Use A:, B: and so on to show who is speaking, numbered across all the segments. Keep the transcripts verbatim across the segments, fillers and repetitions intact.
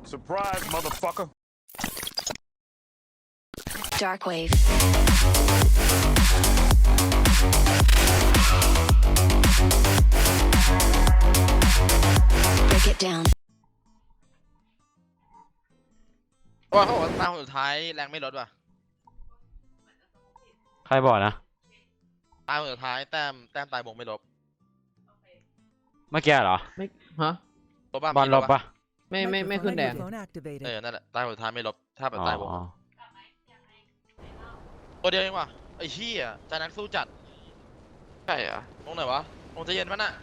A: Surprise, motherfucker.
B: Dark wave. Break it down.
C: ว่าเขาบอกว่าตาคนสุดท้ายแรงไม่ลดว่ะ
D: ใครบอกนะ
C: ตาคนสุดท้ายแต้มแต้มตายบงไม่ลบ
D: เมื่อกี้เหรอ
E: ไม่ฮะ
C: ลบบ้าง
D: บอลลบปะ
E: ไม่ไม่ไม่ขึ้นแดง
F: Microphone
C: เอ
F: activated.
C: อนั่นแหละตาคนสุดท้ายไม่ลบถ้าแบบ
D: อ๋อ
C: ตายบง
D: อ๋อ
C: ตัวเดียวเองว่ะไอ้เหี้ยจานักสู้จัด
G: ใช่เหรอ
C: ลงไหนวะลงจะเย็นมั้ยน่ะ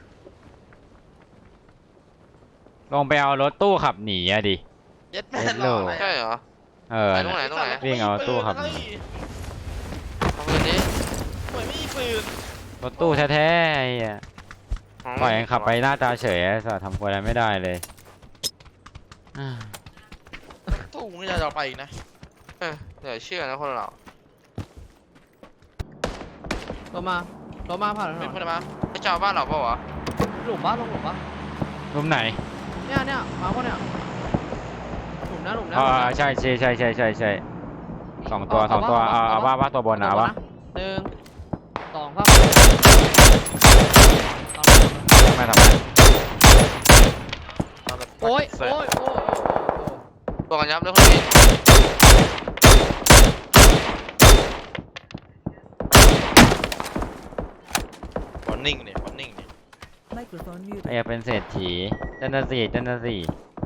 D: ลงไปเอารถตู้ขับหนีอะดิ
C: เย็ดแม่น
D: เย็ด
C: ร
D: โล
C: ออะไร
G: ใช่
C: อะ
G: เหรอ
D: เออ
G: ไปตรงไหนตรงไหน
D: วิ่งเอาตู้ขับหนี
G: ทำเงินดิ
C: ทำไมไม่มีปืน
D: รถตู้แท้ๆไอ้เหี้ย
G: ของ
D: ปล่อยให้ขับไปหน้าตาเฉยสทำอะไรไม่ได้เลยอ่า
C: ตู้มึงจะเอาไปอีกนะ
G: เออเดี๋ยวเชื่อนะคนเรา
E: รถมา รถมาผ่านถ
C: เป็น
E: น
C: คน
E: น
C: มา
G: ไอ้เจ้าบ้านเราเปล่าวะ
E: หลุมบ้าลงหลุมบ้า
D: รุมไหน
E: เนี่ยเนี่ยมาพวกเนี่ยหลุมนะหลุมนะ
D: อ๋อใช่ใช่ใช่ใช่ใช่ใช่สองตัวสองตัวเอาเอาว่าว่าตัวบนนะวะ
E: หนึ่งสองครับ
D: ทำไมทำไม
E: โอ้ยโอ้ยโอ้ย
G: ตัวกันยับเลยคนนี้
C: บอลนิ่งเนี่ยบอลนิ่งเนี่ย
F: Microphone
D: ใคร
F: muted.
D: อยากเป็นเศรษฐีเจ้าหน้าที่เจ้าหน้าที่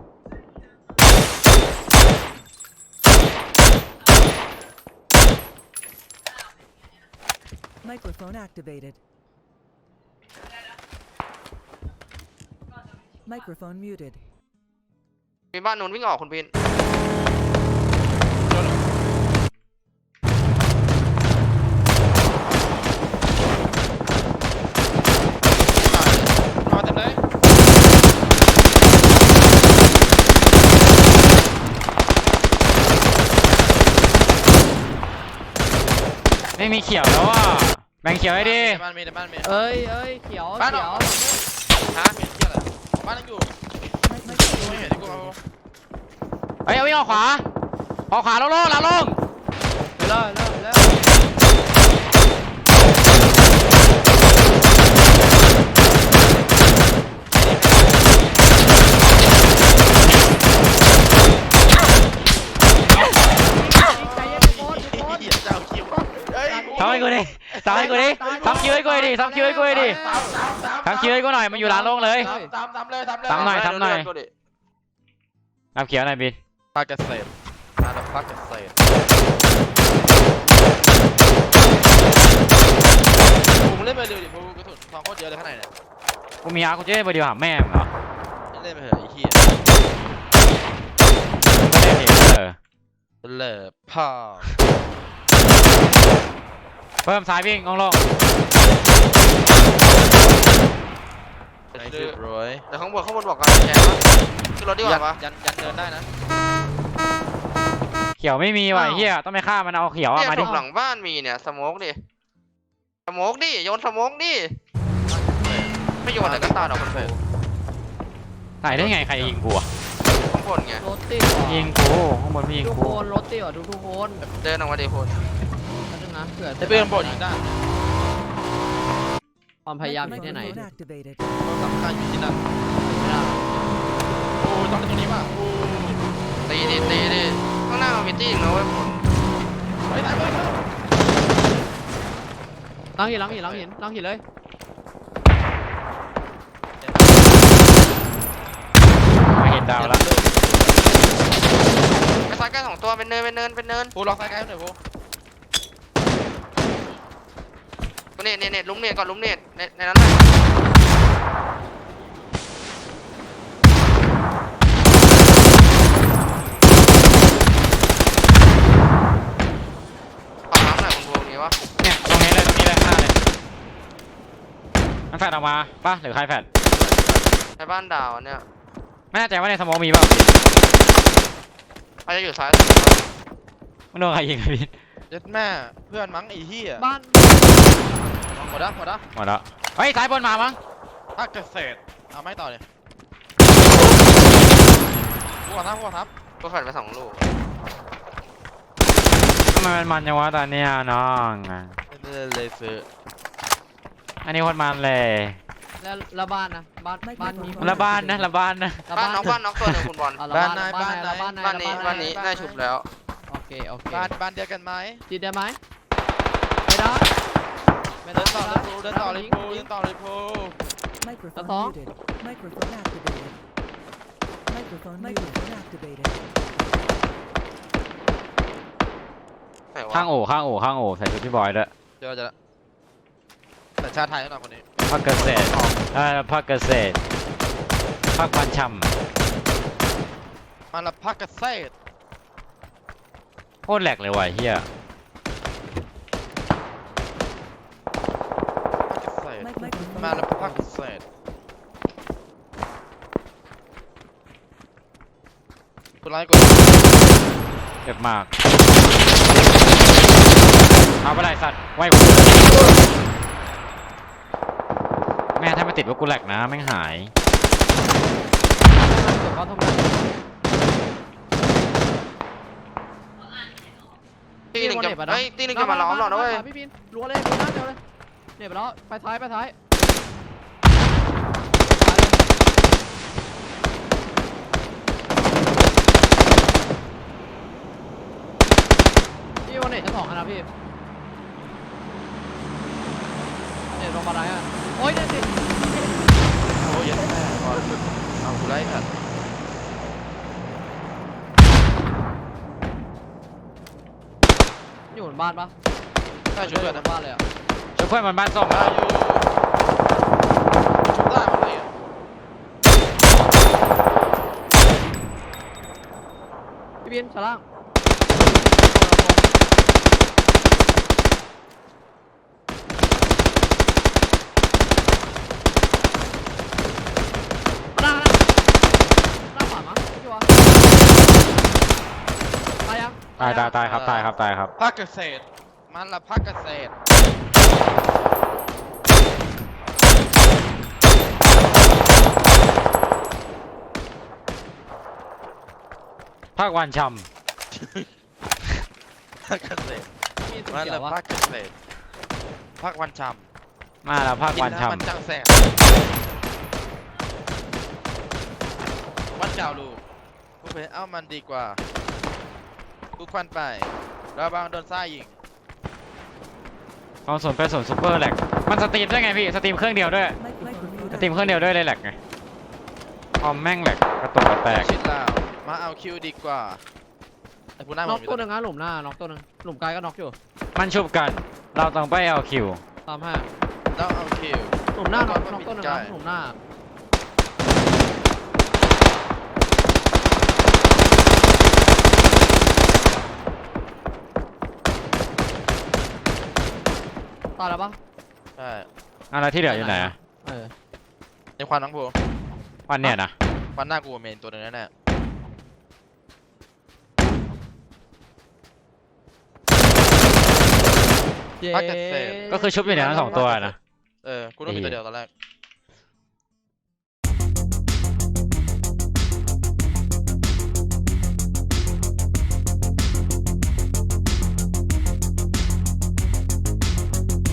F: Microphone activated. Microphone muted.
G: มีบ้านนู้นวิ่งออกคุณพิน
C: มาเต็มเลย
D: ไม่มีเขียวแล้วอ่ะแบ่งเขียวให้ดิ
C: บ้านมีในบ้านมี
E: เอ้ยเอ้ยเขียว
C: บ้าน
E: เขี
C: อ
E: ยว
C: อกฮะมีเที่ยอะไรบ้านยังอยู่
F: Mi- Microphone
C: ไม่เห็นที่กูเอา
F: activated.
D: เฮ้ยเอาวิ่งออกขวาออกขวาลงลงหลังลง
E: ไปเลยเลยเลย ใจเย็นทุกคนทุกคน
C: เหี้ยเจ้าคิวเฮ้ย
D: ทำให้กูดิทำให้กูดิทำคิวให้กูดิทำคิวให้กูดิ
C: ตามตามตาม
D: ทำคิวให้กูหน่อยมันอยู่หลังลงเลย
C: ตามตามตามเลยตามเลย
D: ตามหน่อย ทำหน่อย
G: ดูดิ
D: ทำเขียวหน่อยบิน
C: ภาคเกษตรมาแล้วภาคเกษตรกูมึงเล่นไปเร็วดิกูกระสุนทองโคตรเยอะเลยข้างในเนี่ย
D: กูมีอาร์กูจะได้ไปเดียวหาแม่มึงเหรอ
C: เล่นไปเถอะไอ้เหี้ย
D: มึงก็เล่นเองเออ
C: เลิศพ่อ
D: เพิ่มซ้ายวิ่งลงลง
C: ไอ้เรียบร้อย
G: เดี๋ยวข้างบนข้างบนบอกกันแชร์ปะขึ้นรถดีก
C: ยั
G: ว่าน ปะ
C: ยันยันเดินได้นะ
D: เขียวไม่มีว่ะไอ้เฮียต้องไปฆ่ามันเอาเขียวอะ
G: เนี่ย
D: มา
G: ต
D: ดิ
G: รงหลังบ้านมีเนี่ยสโมกดิสโมกดิโยนสโมกดิไม่โยนอะไรก็ตาดอกมันเถอะ
D: ถ่ายได้ไงใครยิงกูอะ
G: ข้างบนไง
E: รถติดว่ะ
D: ยิงกูข้างบนพี่ยิง
E: ทุก
D: กู
E: คนรถติดว่ะทุกทุกคน
G: เดินออกมาดิคน
E: แป๊บนึงนะเผื่อ
C: ไอ้เพื่อนบนอีกด้าน
E: ความพยายามอยู่ที่ไหน
F: Microphone activated.
C: ต้องสำคัญอยู่ที่นั่น
E: ไม่ได้
C: โอ้ยต้องเป็นตรงนี้ป่ะโอ้ย
G: ตีดิตีดิข้างหน้ามันมีตี้อีกนะเว้ยคน
C: เฮ้ยตายไปแล้ว
E: ล้างหินล้างหินล้างหินล้างหินเลย
D: มาเห็นดาวแล้ว
G: ไปซ้ายใกล้สองตัวเป็นเนินเป็นเนินเป็นเนิน
C: กูล็อกซ้ายใกล้หน่อยกู
G: กูเน็ตเน็ตเน็ตลุ้มเน็ตก่อนลุ้มเน็ตในในนั้นหน่อยขอน้ำหน่อยคุณพวกนี้วะ
D: เนี่ยตรงนี้เลยตรงนี้เลยข้างหน้าเลยมันแฟดออกมาป่ะหรือใครแฟด
G: ในบ้านดาวอันเนี่ย
D: ไม่แน่ใจว่าในสมองมีเปล่า
G: อาจจะอยู่ซ้ายสุดวะ
D: มันโดนใครยิงอะพี่
C: เจ็ดแม่เพื่อนมั้งไอ้เหี้ย
E: บ้าน
C: หมดแล้วหมดแล้ว
D: หมดแล้วเฮ้ยซ้ายบนมามั้ง
C: ภาคเกษตรเอาไม่ต่อเลยหัวทับหัวทับ
G: ก็ขัดไปสองลูก
D: ทำไมมันมันจังวะตอนเนี้ยน้องอ่ะ
C: เลยซื้อ
D: อันนี้โคตรมันเลย
E: แล้วแล้วบ้านนะบ้านบ้านมี
D: ละบ้านนะละบ้านนะ
E: แล้ว
G: บ้านน้องบ้านน้องตัวหนึ่งคุณบอล
E: เอาละบ้านบ้านไหนบ้านไหน
G: บ้านนี้บ้านนี้น่าชุบแล้ว
E: โอเคโอเค
C: บ้านบ้านเดียวกันไหม
E: จีได้ไหมไม่ได้ไม่
C: เดิ
E: ได้
C: นต่อเลยพูเดินต่อเลยพูเดินต่อเลยพู
F: Microphone
E: That's all?
F: muted. Microphone activated. Microphone microphone activated.
G: ไหนวะ
D: ข้างโอ่ข้างโอ่ข้างโอ่ใส่ชุดพี่บอยด้วย
C: เจอจะแต่ชาติไทยแน่นอนคนนี้
D: ภาคเกษตรเออภาคเกษตรภาคพันช
C: มาละพักเกษตร
D: ำโคตรแหลกเลยว่ะเฮีย
C: พักเกษตร
F: Microphone
C: มาละพักเกษตรคุณไลค์กด
D: เจ็บมากเอาไปได้สัตว์ไว้กูแม่ถ้าไม่ติดว่ากูแหลกนะแม่งหาย
E: เดี๋ยวเขาทำงาน
G: ตีหนึ่งจะเฮ้ยตีหนึ่งจะมาล้อมเรานะเว้ย
E: พี่บินรัวเลยรัวหน้าเดียวเลยเนี่ยไปแล้วไปท้ายไปท้ายพี่วันไหนจะสองอันนะพี่เนี่ยลงมาไหนอ่ะโอ้ยเนี่ยสิ
C: โอ้ยแม่ก่อนเอาคุณไลค์กัน
E: อยู่บนบ้านปะ
C: ใช่ช่วยด้วย
E: บ
C: นะ
E: นบ้านเลยอ่ะ
D: ช่วยเพื่อนมันบ้านส้ม
C: มาอยู่ชุบได้หมดเลยอ่ะ
E: พี่บินชั้นล่างล่างล่างล่างขวามั้งพี่วะตายยัง
D: ตายตายตายครับตายครับตายครับ
C: พักเกษตรมาละพักเกษตร
D: ภาควันช
C: พักเกษตร
E: มีสุด
C: มา
E: เขีย
C: ละ
E: ววะ
C: พักเกษตรพักวันชำ
D: ำมาแล้วภาควัน
C: กิ
D: ช
C: มันจังแสงวันเก่าลูกกูไปเอามันดีกว่ากูควันไประวังโดนซ่ายิง
D: ำกองสนไปสนซูเปอร์แหลกมันสตรีมได้ไงพี่สตรีมเครื่องเดียวด้วย
F: Microphone
D: สตรีมเครื่องเดียวด้วยเลยแหลกไงคอมแม่งแหลกกระตุกกระแตก
C: ชิดแล้วมาเอาคิวดีกว่าไอ้ผู้หน้า
E: น็
C: มั
E: อก
C: นมี
E: ตัว
C: ตัว
E: หนึ่งนะหลุมหน้าน็อกตัวหนึ่งหลุมกายก็น็อกอยู่
D: มันชุบกัน เราต้องไปเอาคิว
E: ตามห้า
C: ต้องเอาคิว
E: หลุมหน้าน็อก
C: แล้วก็
E: น็อกตัวหนึ่ง
C: ปิด
E: นะ
C: ใกล้
E: หลุมหน้าตายแล้วปะ
C: ใช่
D: อ่ะแล้วที่เหลืออยู่ไหนอะ
E: เออ
C: ในควันน้องผู
D: วันเนี้ยนะ
C: ควันหน้ากูเมนตัวหนึงแน่
E: เย้
C: พักเกษตร
D: ก็คือชุบอยู่ในนั้นสองตัวนะ
C: ๆเออกูต้องมีตัวเดียวตอนแรก